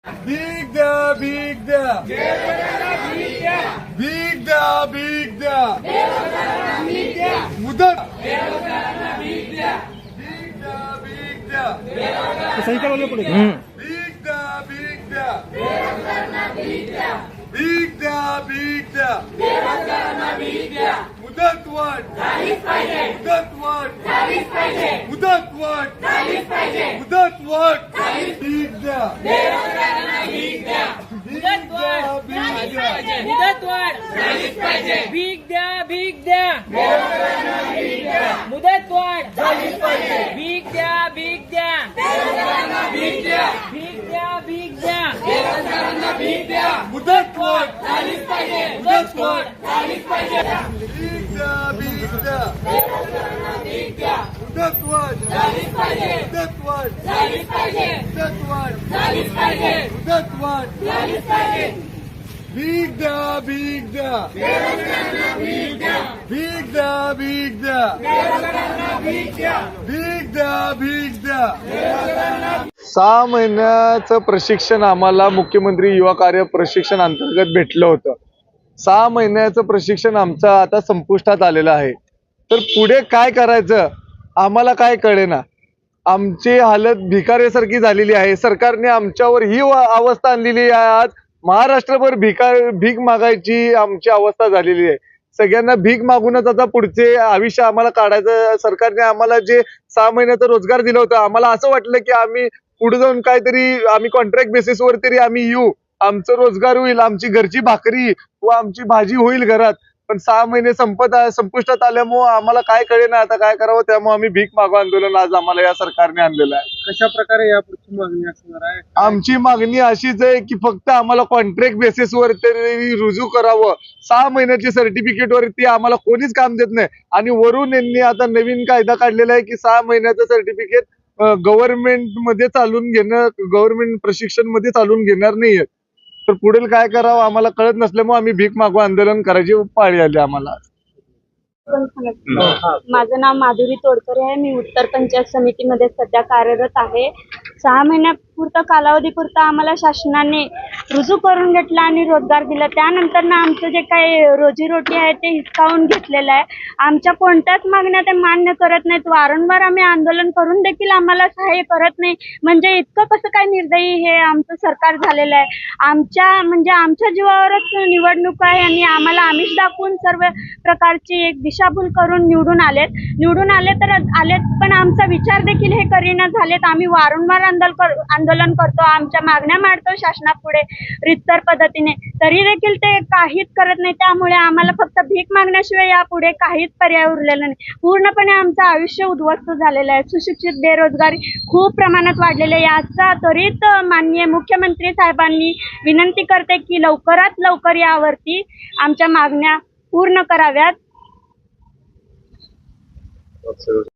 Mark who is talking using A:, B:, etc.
A: भीक द्या, भीक द्या, भीक द्या, भीक द्या, मुदत भीक द्या, भीक द्या,
B: सही करवलं पुढे
A: भीक द्या, भीक द्या, भीक द्या, भीक द्या, मुदत वाढ, मुदत वाढ, मुदत वाढ, मुदत वाढ, भीक द्या, भीक द्या,
C: मुदत वाढ झालीच पाहिजे. भीक द्या, भीक द्या, मुदत वाढ झालीच पाहिजे. भीक द्या, भीक द्या, भीक द्या, भीक द्या,
A: भीक द्या, मुदत वाढ,
C: झालीच पाहिजे. मुदत वाढ झालीच पाहिजे.
A: भीक द्या, भीक द्या,
C: भीक द्या
A: मुदत वाढ,
C: झालीच पाहिजे.
A: मुदत वाढ,
C: झालीच पाहिजे.
A: मुदत वाढ,
C: झालीच पाहिजे.
A: मुदत वाढ,
C: झालीच पाहिजे.
A: भीक द्या, भीक द्या, भीक द्या, भीक द्या, भीक द्या, भीक द्या. 6 महिन्याचं प्रशिक्षण आम्हाला मुख्यमंत्री युवा कार्य प्रशिक्षण अंतर्गत भेटलं होतं. 6 महिन्याचं प्रशिक्षण आमचं आता संपुष्टात आलेलं आहे. तर पुढे काय करायचं आम्हाला काय कळेना. आमची हालत भिकाऱ्यासारखी झालेली आहे. सरकारने आमच्यावर ही अवस्था आणलेली आहे. आज महाराष्ट्रभर भीक मागायची आमची अवस्था झालेली आहे. सगळ्यांना भीक मागूनच आता पुढचे आयुष्य आम्हाला काढायचं. सरकारने आम्हाला जे 6 महिन्याचा रोजगार दिला होता, आम्हाला असं वाटलं की आम्ही पुढे जाऊन काहीतरी आम्ही कॉन्ट्रॅक्ट बेसिसवर तरी आम्ही येऊ, आमचं रोजगार होईल, आमची घरची भाकरी व आमची भाजी होईल घरात. पण 6 महिने संपुष्टात आल्यामुळे आम्हाला काय कळेना आता काय करावं. त्यामुळे आम्ही भीक मागो आंदोलन आज आम्हाला या सरकारने आणलेलं आहे.
B: कशा प्रकारे यापुढची मागणी असणार आहे?
A: आमची मागणी अशीच आहे की फक्त आम्हाला कॉन्ट्रॅक्ट बेसिसवर तरी रुजू करावं. 6 महिन्याची सर्टिफिकेट वरती आम्हाला कोणीच काम देत नाही. आणि वरून यांनी आता नवीन कायदा काढलेला आहे की 6 महिन्याचं सर्टिफिकेट गव्हर्नमेंट मध्ये चालून घेणं, गव्हर्नमेंट प्रशिक्षण मध्ये चालून घेणार नाहीये. तर पुढील काय करावं आम्हाला कळत नसल्यामुळे आम्ही भीक मागो आंदोलन करायची पाळी आली आम्हाला.
D: माझं नाव माधुरी तोडकरे आहे. मी उत्तर पंचायत समितीमध्ये सध्या कार्यरत आहे. 6 महिन्यापुरता कालावधीपुरता आम्हाला शासनाने रुजू करून घेतला आणि रोजगार दिला. त्यानंतर आमचं जे काही रोजीरोटी आहे ते हिसकावून घेतलेलं आहे. आमच्या कोणत्याच मागण्या ते मान्य करत नाहीत. वारंवार आम्ही आंदोलन करून देखील आम्हाला सहाय्य करत नाही. म्हणजे इतकं कसं काय निर्दयी हे आमचं सरकार झालेलं आहे. आमच्या जीवावरच निवडणूक आहे आणि आम्हाला आमिष दाखवून सर्व प्रकारची एक दिशाभूल करून निवडून आले तर आलेत, पण आमचा विचार देखील हे करीना झालेत. आम्ही वारंवार आंदोलन करतो, आमच्या मागण्या मांडतो शासनापुढे रितसर पद्धतीने, तरी देखील ते काहीच करत नाही. त्यामुळे आम्हाला फक्त भीक मागण्याशिवाय यापुढे काहीच पर्याय उरलेला नाही. पूर्णपणे आमचं आयुष्य उद्ध्वस्त झालेलं आहे. सुशिक्षित बेरोजगारी खूप प्रमाणात वाढलेली आहे. याचा त्वरित माननीय मुख्यमंत्री साहेबांनी विनंती करते की लवकरात लवकर यावरती आमच्या मागण्या पूर्ण कराव्यात.